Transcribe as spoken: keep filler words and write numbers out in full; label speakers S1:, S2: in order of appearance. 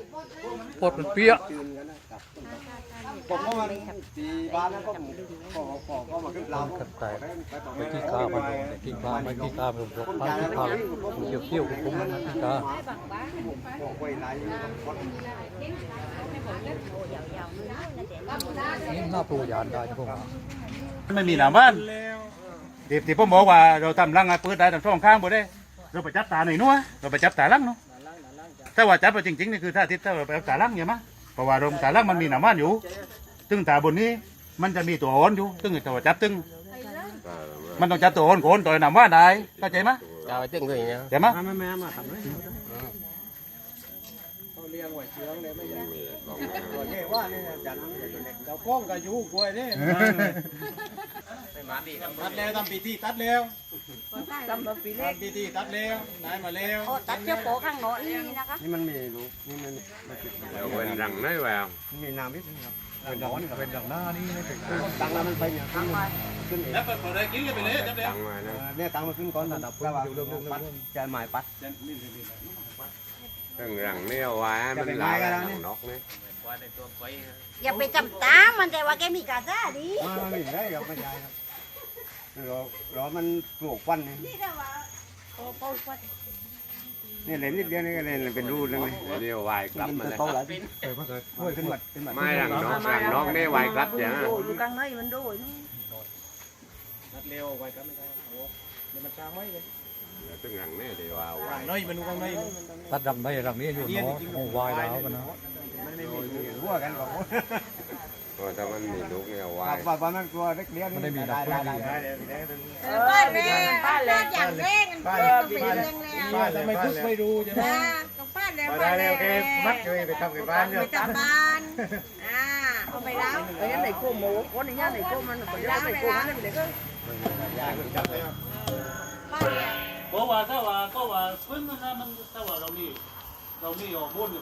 S1: ปดมันเปี้ย
S2: ผมก็มาตีบ้านแล้วก็ก็ก็ก็มาขึ้นเรา
S1: ขัดใจไปที่ข้าวมันที่ข้าวไม่ที่ข้าวผมบอกไปที่ข้าวเกี่ยวเกี่ยวกับผมนะที่ข้าวนี่น่าปลูกยานได้พวกไม่มีหน้าบ้านเดี๋ยวที่ผมบอกว่าเราทำรังเปิดได้ทำช่องข้างบ่ได้เราไปจับตาหน่อยนัวเราไปจับตาลังเนาะถ้าว่าจับไปจริงๆนี่คือถ้าทิศถ้าเราไปจับตาลังอย่างมั้ยเพราะว่าโรงตาลังมันมีหน้าบ้านอยู่ซึ่งตาบนนี้มันจะมีตัวอ่อนอยู่ซึ่งตัวจับซึ่งมันต้องจับตัวอ่อนโคนตัวหน้าบ้านได้เข้าใจมั้ยเข้าใจใช่มั้ยมามาทำเลยเขาเลี้ยงไว้เชื้องเลยไม่ใช่ตัวนี้ว่านี่จันเจ้าก้องกับยูกล้วยนี่ตัดแล้วทำปีที่ตัดแล้วทำปีเล็กปีที่ตัดแล้วได้มาแล้ว
S3: ตัดเจ้าโป๊ข้างโน้นนี่นะคะ
S2: นี่มันมีลูกนี่มัน
S4: เป็นรังน้อยแบบ
S2: มีน้ำนิดนึงครับ
S1: เป็นดอกนี่เป็นดอกหน้านี่ไม่เป็น
S2: ตังแล้วมันไปเนี่ยขึ้นขึ้นเอง
S1: แล้วเปิดเปิดเลยกินกันไปเลยจับเลย
S2: เนี่ยตังมาขึ้นก่อนระดับแล้วว่าปัดจะหมายปัด
S4: ตั้งรังนี่เอาไว้มันลายนกนี่
S3: อย่าไปจำตามันแต่ว่าแกมีกาซ่าดิ
S2: ไม่ได้ครับไม่ใช่ครับรอรอมันปลูกฟันนี่
S3: นี่แต่ว่าโอ้ปลูกฟัน
S2: นี่เล่นนิดเดียวนี่ก็เล่นเป็นรูเลยไหม
S4: เดียววายกลับมาเลย
S2: ขึ้นมาขึ้นมา
S4: ไม่รังนกรังนกนี่วายกลับจ้ะ
S3: ดูกลางเลยมันดู
S2: นัดเร็ววายกลับไม่ได้โอ้เดี๋ยวมันช้าไม่เลย
S4: ตึงรังนี่เดียววาย
S2: น้อยมันดูกลางใน
S1: ตัดรังในรังนี้อยู่เนาะโอ้วายแล้วกันนะ
S2: มันไม่มีหัวกันก่อน
S4: ถ้ามันมีลูกเนี่ยวาย
S2: ป่าป่ามันกลัวเล็กเลี้ยง
S1: มันได้มีนักปืนดี
S3: บ้านแรงบ้านแรงอย่างแรงบ้านแรงแรง
S2: บ้านทำไมทุกไม่รู้ใช่ไหม
S3: ต้องบ้านแรง
S2: บ้านแรงโอเคมัดเลยไปทำกับบ้านเนี่ย
S3: ไปทำบ้านอ่าเอาไปแล้ว
S5: ไอ้ยันไหนกู้หมูคนนี้ยันไหนกู้มันคนยันไหนกู้มันนี่เด็กก็
S1: เพราะว่าถ้าว่าก็ว่าพื้นนะมันถ้าว่าเรามีเรามีออกบุญ